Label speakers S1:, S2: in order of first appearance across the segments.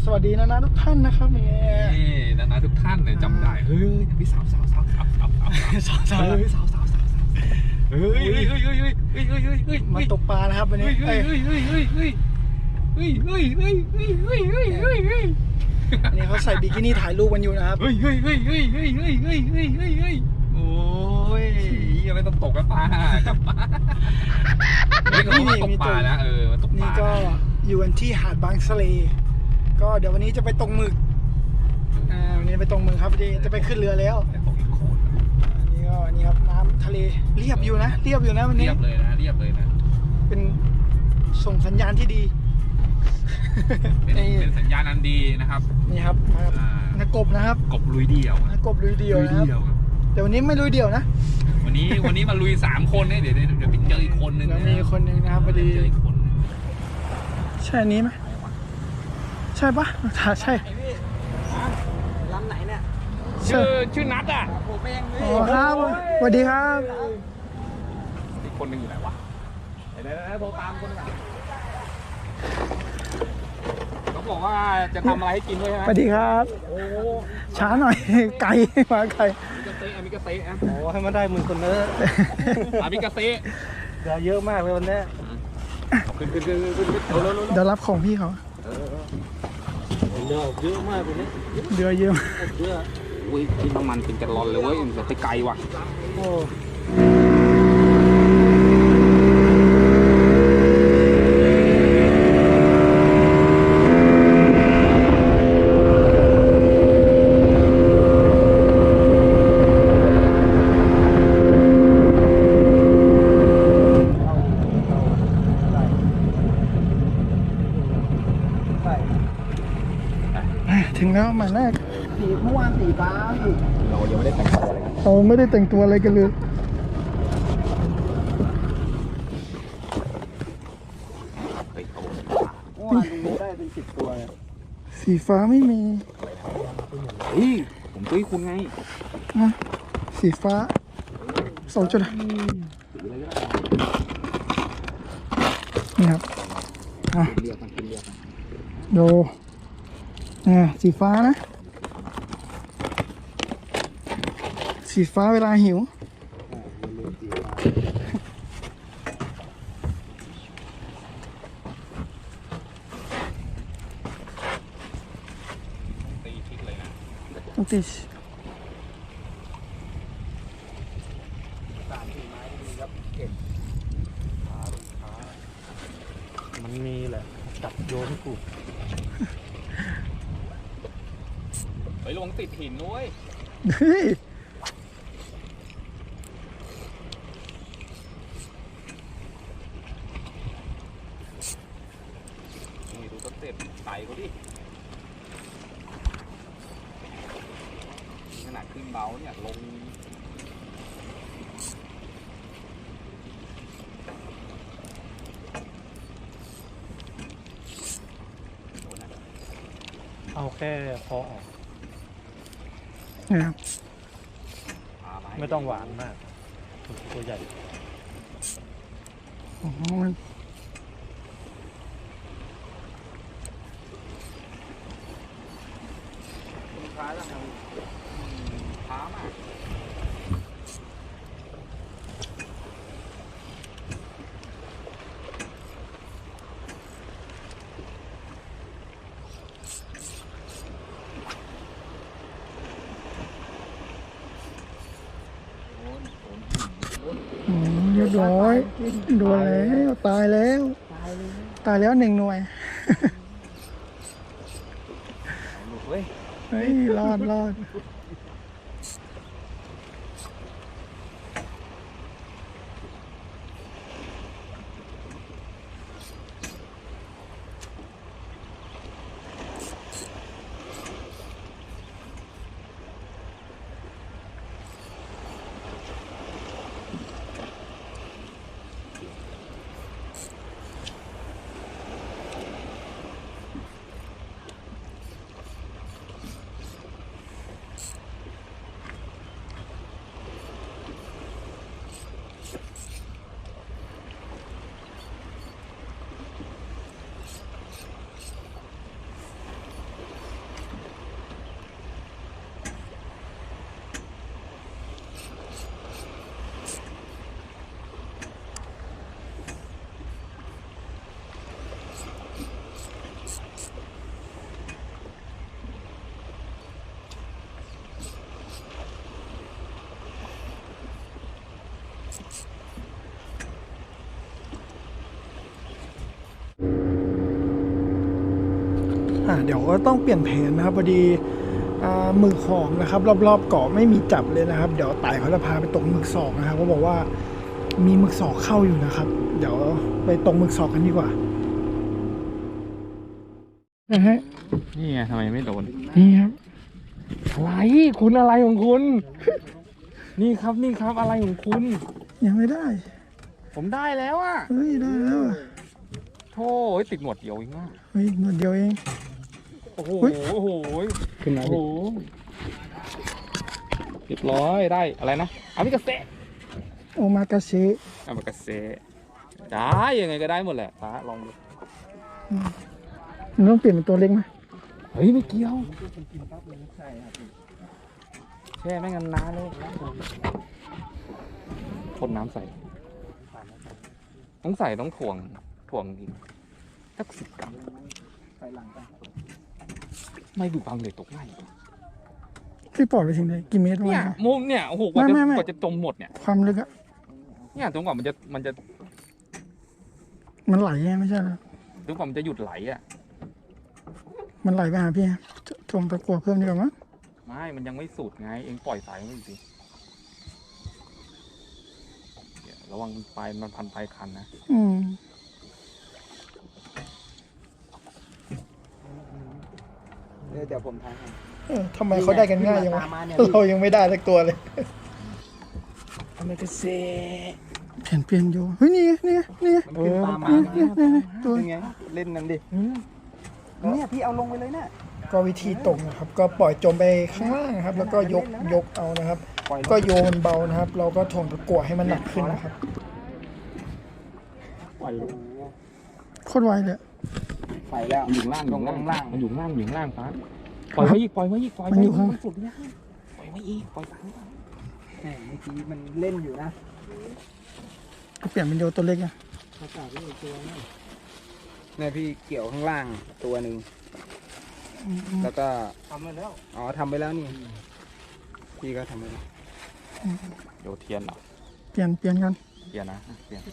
S1: สวัสดีนะทุกท่านนะครับเนี่ย
S2: นะทุกท่านเนี่ยจำได้เฮ้ยพี่สาวเฮ้ยสาวเฮ้ย
S1: มาตกปลานะครับวันนี้อันนี้เขาใส่บิกินี่ถ่ายรูปกันอยู่นะครับ
S2: โอ้ยยังไม่ต้องตกกันปลากลับมานี่ตกปลานะตกปลา
S1: นี่ก็อยู่กันที่หาดบางสะเลก็เดี๋ยววันนี้จะไปตกหมึกวันนี้ไปตกหมึกครับจะไปขึ้นเรือแล้วนี่ก็นี่ครับน้ำทะเลเรียบอยู่นะวันนี้
S2: เรียบเลยนะ
S1: เป็นส่งสัญญาณที่ดี
S2: เป็นสัญญาณอันดีนะครับ
S1: นี่ครับนักกบนะครับ
S2: กบลุยเดี่ยว
S1: กบลุยเดี่ยวนะครับแต่วันนี้ไม่ลุยเดี่ยวนะ
S2: วันนี้มาลุย3 คนเดี๋ยวไปเจออีกคนนึง
S1: มีคนนึงนะครับพอดีใช่นี้ไหมใช่ปะใช่
S3: ลำไหนเนี่ย
S2: ชื่อนัทอ่ะ
S3: ผมเอง
S1: อ๋อครับสวัสดีครับ
S2: อีกคนนึงอยู่ไหนวะเดี๋ยวโทรตามคนนึงเขาบอกว่าจะทำอะไรให้กินด้วยนะ
S1: สวัสดีครับโอ้ช้าหน่อยไก่มาไก่
S2: มิกาเซ่
S3: โอ้ให้มันได้10,000คนเลย
S2: มิกาเซ่
S3: เยอะมากเลยวันนี้
S2: ขึ้น
S1: เดี๋ยวรับของพี่เขา
S3: เยอะมากเลย
S1: เดือเยอะ
S2: อุ้ยกินน้ำมันเป็นแกลลอนเลยเว้ยแต่ไปไกลว่ะ
S3: โอ้
S1: ถึงแล้วหมายแรก
S3: เมื่อวานสีฟ้า
S2: เรายังไม่ได้แต่งตัวอะไร
S1: เราไม่ได้แต่งตัวอะไรกันเลย
S3: เมื่อวานดูได้เป็น10 ตัว
S1: สีฟ้าไม่มี
S2: ผมตุ้ยคุณไง
S1: สีฟ้า2 จุดนี่ครับดูสีฟ้านะสีฟ้าเวลาหิวต้องตี
S3: มันมีแหละจับโยนให้กู
S2: ไปลงติดหินด้วยนี่ดูต้นเต็ปไต่เขาดิขนาดขึ้นเบาเนี่ยลง
S3: เอาแค่พอออกไม่ต้องหวานมากตัวใหญ่
S2: ช้าแล้วช้ามาก
S1: เรียบร้อยโดนแล้วตายแล้ว1 หน่วยเฮ้ยรอดเดี๋ยวก็ต้องเปลี่ยนแผนนะครับพอดีหมึกหอมนะครับรอบๆเกาะไม่มีจับเลยนะครับเดี๋ยวไต่เขาจะพาไปตกหมึกศอกนะครับเขาบอกว่ามีหมึกศอกเข้าอยู่นะครับเดี๋ยวไปตกหมึกศอกกันดีกว่านะฮะ
S2: นี่ไงทำไมไม่โดน
S1: นี่ครับ
S2: อะไรคุณอะไรของคุณ นี่ครับอะไรของคุณ
S1: ยังไม่ได้
S2: ผมได้แล้วอ่ะ
S1: เฮ้ยได้แล้วอะ
S2: โธ่ติดหนวดเดียวเองอ่ะ
S1: เฮ้ยหนวดเดียวเอง
S2: โอ้โห
S1: เฮ้ย
S2: โอ้โห
S3: ขึ้นมา
S2: โอ้โหเรียบร้อยได้อะไรนะอามิกาเซะ
S1: โอมากาเช
S2: อามิกาเซะได้ยังไงก็ได้หมดแหละฟ้าลองดู
S1: มันต้องเปลี่ยนเป็นตัวเล็กไหม
S2: เฮ้ยไม่เกี่ยวแช่ไม่งั้นนานเลยคนน้ำใส่ต้องใส่ต้องถ่วงอีกสัก10 กรัมไม่บุบังเลยตกง่าย
S1: ที่ปล่อยไปถึงไหนกี่เมตรวะ
S2: เนี่ยมุมเนี่ยโอ้โหกว่า
S1: ไม่
S2: จะจมหมดเนี่ย
S1: ความลึกอะ
S2: เนี่ยจนกว่ามันจะ
S1: มันไหลไงไม่ใช่เหรอ
S2: จนกว่ามันจะหยุดไหลอ่ะ
S1: มันไหลไปหาพี่ถ่วงตะกั่วเพิ่มดีกว่ามั้ง
S2: ไม่มันยังไม่สุดไงเองปล่อยสายมันสิระวังปลายมันพันปลายคันนะ
S4: เดี๋ยวผมทายให้
S1: ทำไมเขาได้กันง่ายยังวะเรายังไม่ได้สักตัวเลย
S4: อเมริกาเซ่
S1: เปลี่ยนอยู่เฮ้ยนี่ไง
S4: มันขึ้นตามมา
S1: ตัว
S4: เป็นไงเล่นนั่นดิเนี่ยพี่เอาลงไปเลยนะ
S1: ก็วิธีตกนะครับ ก็ปล่อยจมไปข้างล่างนะครับ แล้วก็ยกเอานะครับ ก็โยนเบานะครับ เราก็ถ่วงตะกั่วให้มันหนักขึ้นนะครับ
S2: ปล่อย
S1: โคตรไวเลย
S4: ไปแล้ว
S2: มันอยู่ล่างมันอยู่ล่างฟ้าปล่อยไว้อีกมันสุดยากปล่อยไว้อีกปล่อยสาย
S4: แหมเมื่อกี้มันเล่นอยู่นะ
S1: ก็เปลี่ยนเป็นโยตัวเล็กอะ
S4: เนี่ยพี่เกี่ยวข้างล่างตัวหนึ่งแล้วก็ทำไปแล้วอ๋อทำไปแล้วนี่พี่ก็ทำไปแล้ว
S2: โยเทียนเหรอ
S1: เปลี่ยนกัน
S2: เทียนนะเทียน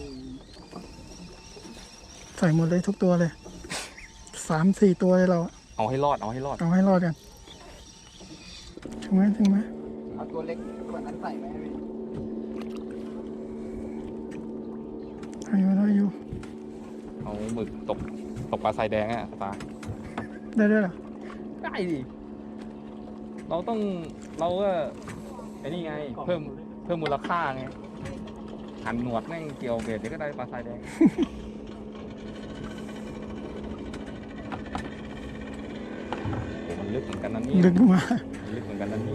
S1: ใส่หมดเลยทุกตัวเลย3-4 ตัวเลยเรา
S2: เอาให้รอด
S1: เอาให้รอดกันถึงไหม
S4: เอาตัวเล็กกว่านั้นใส่ไหมพี่
S1: ได้อยู่
S2: เอาหมึกตกปลาทรายแดงอ่ะตา
S1: ได้ด้วยเหรอ
S2: ได้ดิเราก็ไอ้นี่ไงเพิ่มมูลค่าไงหันหนวดแม่งเกี่ยวเบ็ดเดี๋ยวก็ได้ปลาทรายแดงมันลึกเหมือนกันนะเนี่ย
S1: ดึงมา
S2: ลึกเหมือนกันนะเนี่ย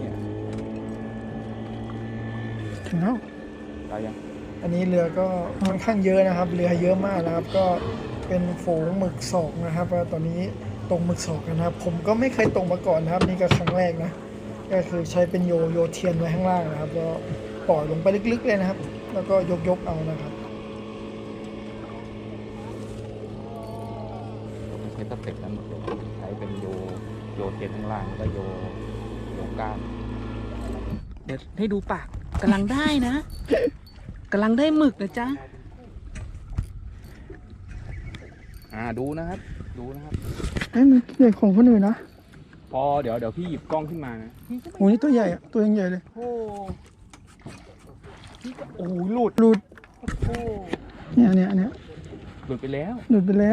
S1: ถึงแล้ว
S2: ได้ยัง
S1: อันนี้เรือก็ค่อนข้างเยอะนะครับ เรือเยอะมากนะครับ ก็เป็นฝูงหมึกศอกนะครับว่าตอนนี้ตกหมึกศอกกันนะครับ ผมก็ไม่เคยตกมาก่อนนะครับ นี่ก็ครั้งแรกนะ ก็คือใช้เป็นโยเทียนไว้ข้างล่างนะครับก็ปล่อยลงไปลึกๆเลยนะครับ แล้วก็ยกเอานะครับ
S2: ผมใช้สเต็ปนั้นหมดเลยใช้เป็นโยเทียนข้างล่างแล้วก็โยก้าน
S5: เดี๋ยวให้ดูปากกำลังได้นะกำลังได้หมึกนะจ๊ะ
S2: ดูนะครับ
S1: เอ้ยมันใหญ่ของคนอื่นนะ
S2: พอเดี๋ยวพี่หยิบกล้องขึ้นมานะ
S1: โอ้นี่ตัวใหญ่อะตัวยังใหญ่เลย
S2: โอ้โหหลุด
S1: หลุด
S2: โอ้
S1: เนี่ย
S2: หลุดไปแล้ว
S1: หลุดไปแล้ว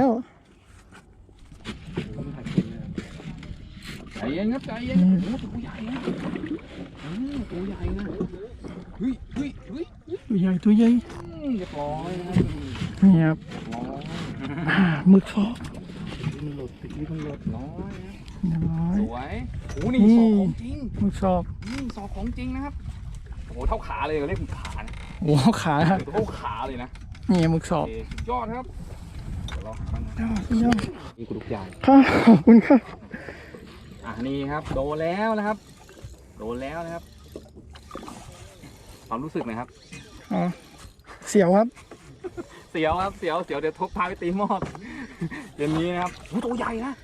S2: ใจเย็นครับใจเย็นโอ้โหตัวใหญ่นะตัวใหญ่นะเฮ้ย
S1: ตัวใหญ่ตัวใหญ่
S2: เรียบร้อยนะครับ
S1: นี่ครับ
S2: ร้อย
S1: หมึกศอก
S2: มันหลุดติดนี่มันหลุดร้อยนะ
S1: เรียบร้อย
S2: สวยโอ้นี่ศอกของจริง
S1: หมึกศอก
S2: ศอกของจริงนะครับโอ้โหเท่าขาเลยเรียกหมึกขานะ
S1: โอ้ขา
S2: เท่าขาเลยนะ
S1: นี่หมึกศอก
S2: โอเคสุดยอดครับเดี๋ยวเราหาบ้างนะ
S1: ยอด
S2: นี่กระดูกใหญ่
S1: ครับขอบคุณครับ
S2: นี่ครับโดนแล้วนะครับความรู้สึกหน่อยครับ
S1: อ๋อเสียวครับ
S2: เสียวครับเสียวเดี๋ยวทุบพาไปตีหม้อเดี๋ยวนี้นะครับโอ้ตัวใหญ่นะครับ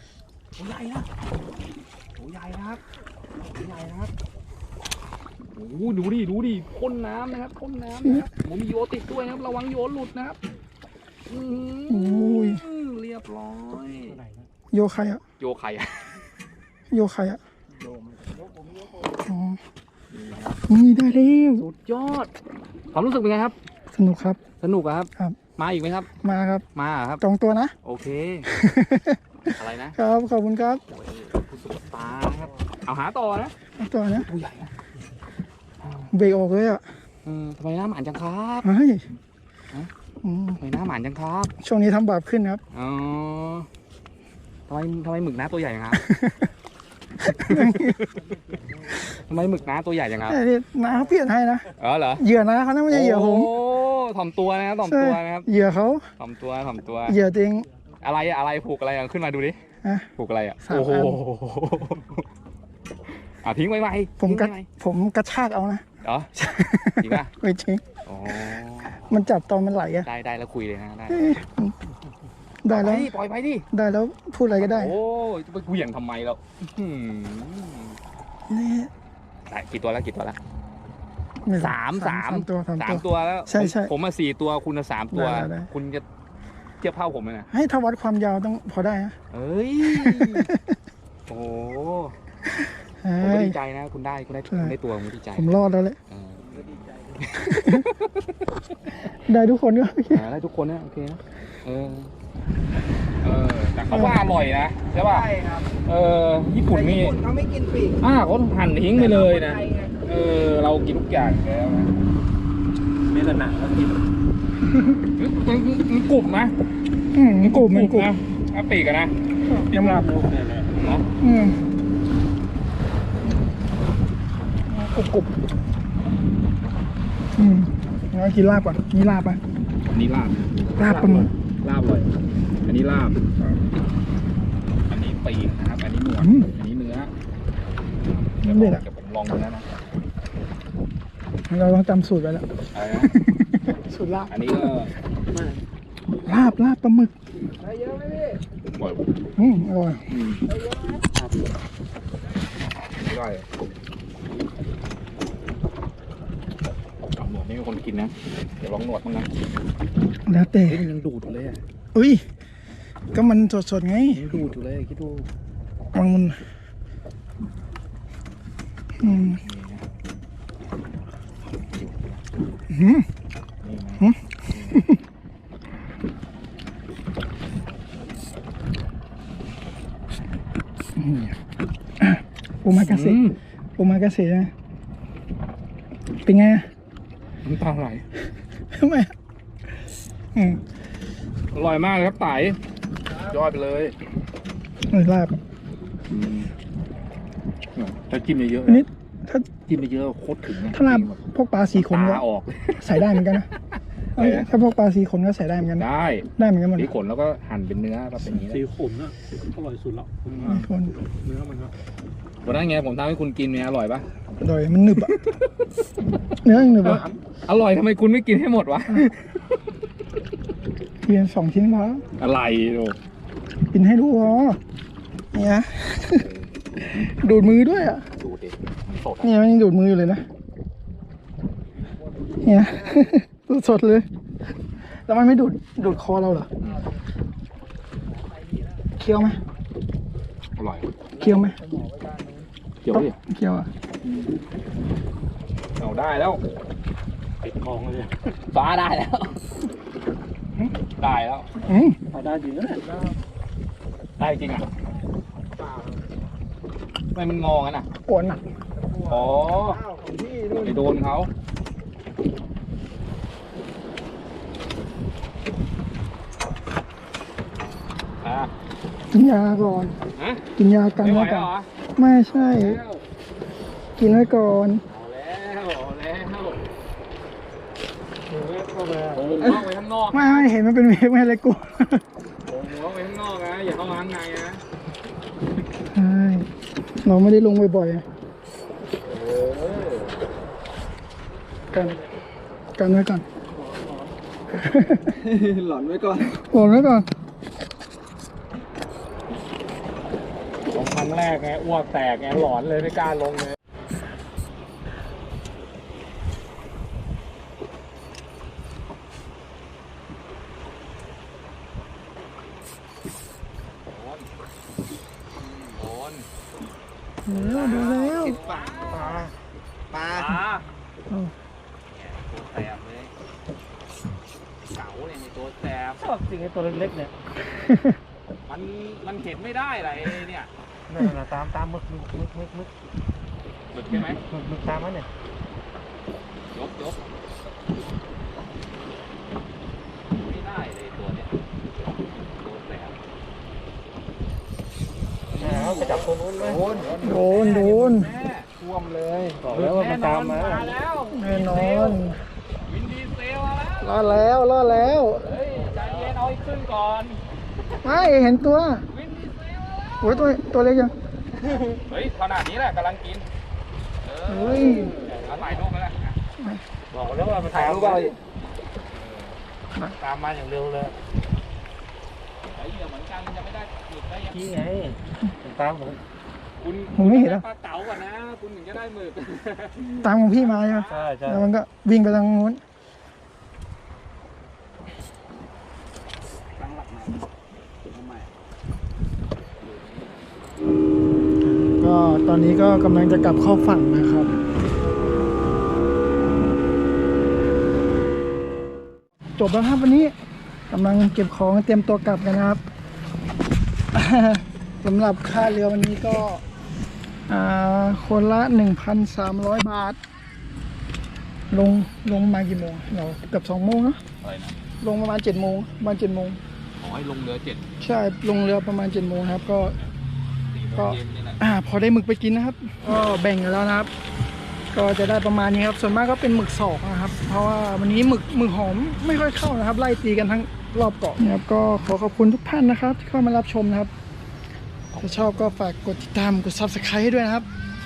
S2: โอ้โหดูดิพ่นน้ำนะครับผมมีโยติดด้วยนะครับระวังโยหลุดนะครับ
S1: โอ้ย
S2: เรียบร้อย
S1: โยใครอ่ะ
S2: โยใครอะ
S1: โยใครอ่ะอ๋อนี่ได้แล้ว
S2: สุดยอดความรู้สึกเป็นไงครับ
S1: สนุกครับ
S2: สนุกอะครับ
S1: ครับ
S2: มาอีกไหมครับ
S1: มาครับ
S2: มาอะครับ
S1: จองตัวนะ
S2: โอเค อะไรนะครับ
S1: ขอบคุณครับ
S2: โอ้ยผู้สุดตาครับ เอาหาต่อนะ
S1: เอาตัวนะ
S2: ตัวใหญ่นะ
S1: เบรกออกเลยอ่ะ
S2: ทำไมหน้าหมานจังครับ
S1: เฮ้ย
S2: ฮะ
S1: อืม
S2: ทำไมหน้าหมานจังครับ
S1: ช่วงนี้ทำบาปขึ้นครับ
S2: อ๋อทำไมหมึกน้าตัวใหญ่จังครับ ทำไมหมึกน้าตัวใหญ่จังครับ
S1: แต่นี่น้าเขาเปลี่ยนให้นะ
S2: อ๋อเหรอ
S1: เหยื่อนะเขานะไม่ใช่เหยื่อผม
S2: โอ้ถ่อมตัวนะครับถ่อมตัวนะครับ
S1: เหยื่อเขา
S2: ถ่อมตัวถ่อมตัว
S1: เหยื่อตัวเอง
S2: อะไรผูกอะไรอ่ะขึ้นมาดูดิ
S1: ฮะ
S2: ผูกอะไรอ่ะ
S1: 3
S2: โอ้โห
S1: อัน
S2: ทิ้งไว้ไหม
S1: ผมกระ
S2: ทิ้งไว้ไหม
S1: ผมกระชากเอานะ
S2: เหรอจริงป่ะ
S1: ไม่จริง
S2: อ๋อ
S1: มันจับตอนมันไหลอะ
S2: ได้แล้วคุยเลยนะได้
S1: เอ้ยได้แล้ว
S2: ปล่อยไปดิ
S1: ได้แล้วพูดอะไรก็ได้
S2: โอ้ยจะไปเหวี่ยงทำไมแล้วอื้อ
S1: นี่
S2: หือได้กี่ตัวแล้ว
S1: ไม่รู้
S2: สาม
S1: ตัว
S2: ตัวแล้ว
S1: ใช่ใช่
S2: ผมมา4 ตัวคุณ3 ตัว
S1: ได้
S2: คุณจะเทียบเท่าผมไหมนะ
S1: ให้ถ้าวัดความยาวต้องพอได้นะ
S2: เอ้ย โอ้โห
S1: เฮ้
S2: ผมก็
S1: ย
S2: ดีใจนะ คุณได้ตัวผมดีใจ
S1: ผมรอดแล้วแหละ
S2: เออ
S1: ได้ทุกคนก็
S2: ได้ทุกคนนะโอเคนะแต่เขาว่าอร่อยนะใช่ป่ะ
S4: ใช่ครับ
S2: ญี่ปุ่นนี่
S4: เขาไม่กินปีก
S2: เขาหั่นทิ้งไปเลยนะเรากินทุกอย่างแล้วนะ
S3: ไม่แต่หนักก็กิน
S2: มันกรุบนะ
S1: มันกรุบ
S2: นะปีกอะนะ
S1: ยำลับ
S2: เนาะ
S1: กรุบงั้นกินลาบก่อนนี่ลาบอ่ะ
S2: อันนี้ลาบ
S1: ลาบปลาหมึก
S2: ลาบเลยอันนี้ลาบอันนี้ปีกนะครับอันนี้หนวดอันนี้เนื้อเดี๋ยวผมลองดูนะ
S1: เราต้องจำสูตรไว้แล้ว
S2: อะไรนะ
S1: สูตรลาบ
S2: อันนี้ก็
S1: ลาบปลาหมึก
S2: ปล่อย
S1: อร่อย
S2: ได้หนวดไม่มีคนกินนะเดี๋ยวลองหนวดมั้งนะ
S1: แล้วแต่
S2: มันยังดูดอยู่เลยอ่ะ
S1: อุ้ยก็มันสดๆไง
S2: ยังดูดอยู่เลยคิดดู
S1: มันโอมากาเสะโอมากาเสะนะเป็นไง
S2: น้ำตาไหล
S1: ทำไม
S2: อร่อยมากครับไต่ยอดไปเลย
S1: ลาบ
S2: ถ้าจิ้มเยอะ
S1: อันนี้ถ้า
S2: ๆจิ้มเยอะๆโคตรถึง
S1: ถ้าลาบพวกปลาสีขนก็
S2: ตาออกเลย
S1: ใส่ได้เหมือนกันนะถ้าพวกปลาสีขนก็ใส่ได้เหมือนกัน
S2: ได้
S1: เหมือนกันหมด
S2: สีขนแล้วก็หั่นเป็นเนื้อก็เป็นอย่างนี้
S3: สีขุนอ่ะอร่อยสุดแล้ว
S1: สีขน
S3: เนื้อมันก็
S2: วันนั้นไงผมทำให้คุณกินเนี่ยอร่อยปะ
S1: อร่อยมันหนึบอะเนื้อยังหนึบอะ
S2: อร่อยทำไมคุณไม่กินให้หมดวะ
S1: เพียง2 ชิ้นพอ
S2: อะไรดู
S1: กินให้ดูพอเนี่ยดูดมือด้วยอ่ะ
S2: ดูดิมันสด
S1: เนี่ยมันยังดูดมืออยู่เลยนะเนี่ย สดๆเลย แล้วมันไม่ดูดคอเราเหรอเคี้ยวไหม
S2: อร่อย
S1: เคี้ยวไหม
S2: เกี่ยวดิ
S1: เคี้ยวอ่ะ
S2: เอาได้แล้ว
S3: ติดคลองเลย
S2: ฟ้าได้แล้ว ได้แล้ว
S3: พอได้จริงนะเนี่ย
S2: ได้จริงอ่ะทำไมมันงอกันอ่ะ
S1: ปวดหนัก
S2: อ๋อไปโดนเขา
S1: กินยาก่อน
S2: ฮะ
S1: กินยากัน
S2: ไม่ไหว
S1: ไว้ก่
S2: เหร
S1: อน
S2: อ
S1: ไม่ใช่
S2: แล้ว
S1: กินไว้ก่อน
S2: โอ้โหไปข้างนอก
S1: ไม่เห็นมันเป็นเวฟไม่อะไรกู
S2: โอ้โหไปข้างนอกนะอย่าเข้ามาข้างในนะ
S1: ใช่เราไม่ได้ลงบ่อยๆอะกันไว้ก่อน
S4: หลอนไว้ก่อน
S1: หล่นไว้ก่อน
S3: ลงครั้งแรกไงอ้วกแตกไงหลอนเลยไม่กล้าลงเลย
S2: น
S1: ดูแล้ว
S4: ปลา
S2: ปลา
S1: อ้าว
S2: เนี่ยตัวแสบเลยเก๋าเนี่ยมีตัวแสบ
S3: ชอบจริงไอ้ตัวเล็กๆเนี่ย
S2: มันเห็นไม่ได้อะไรเนี่ย
S3: นั่นน่ะตามมึก
S2: หมึกใช่ไหม
S3: มึกตามมันเนี่ย
S2: ยกไม่ได้เลยตัวเนี้ยตัวแสบ
S3: เอาไปจับตัวนู้นไหม
S1: โดน
S2: แม่
S4: ท่วมเลย
S3: บอกแล้วว่ามันตามมา
S2: แล้ว
S1: แน่นอน
S2: วินดีเซลมาแล้ว
S1: รอดแล้ว
S2: เฮ้ยใจเย็นเอาให้ขึ้นก่อน
S1: ไม่เห็นตัว
S2: วินดีเซลมาแล้ว
S1: โอ้ยตัวเล็กยัง
S2: เฮ้ยขนาดนี้แหละกำลังกิน
S1: เฮ้ย
S2: เอาถ่ายรูปไปแล้ว
S3: บอกแล้วว่ามัน
S4: ถ่าย
S3: ตาม
S4: รูป
S3: มา
S4: เอา
S3: ตามมาอย่างเร็วเลย
S2: ไอ้เหี้ยเหมือนกันจะไม่ได้หมึกได้ยัง
S3: นี่ไงมันตามผม
S2: คุณ
S1: ผมไม่เห็น
S2: ด้
S1: นะ
S2: ปลาเก๋าก่อนนะ คุณถึงจะได้หมึก
S1: ตามของพี่มาใช่ไหม
S3: ใช่ใช่
S1: แล้วมันก็วิ่งไปทางนู้น
S4: ตั้งหลักใหม่เอาใหม่
S1: ก็ตอนนี้ก็กำลังจะกลับเข้าฝั่งนะครับ จบแล้วครับวันนี้กำลังเก็บของเตรียมตัวกลับกันนะครับ สำหรับค่าเรือวันนี้ก็คนละ 1,300 บาท ลงมากี่โมงเราเกือบ2 โมงเนอะ
S2: อะไรนะ
S1: ลงประมาณ7 โมงประมาณ7 โมง
S2: ขอให้ลงเรือ7
S1: ใช่ลงเรือประมาณ7 โมงครับก็
S2: 4 โมงเย็นนี่แหละ
S1: พอได้หมึกไปกินนะครับ ก็แบ่งกันแล้วนะครับ ก็จะได้ประมาณนี้ครับส่วนมากก็เป็นหมึกสอกนะครับ เพราะว่าวันนี้หมึกหอมไม่ค่อยเข้านะครับ ไล่ตีกันทั้งรอบเกาะนะครับก็ขอขอบคุณทุกท่านนะครับที่เข้ามารับชมนะครับถ้าชอบก็ฝากกดติดตามกด Subscribe ให้ด้วยนะครับ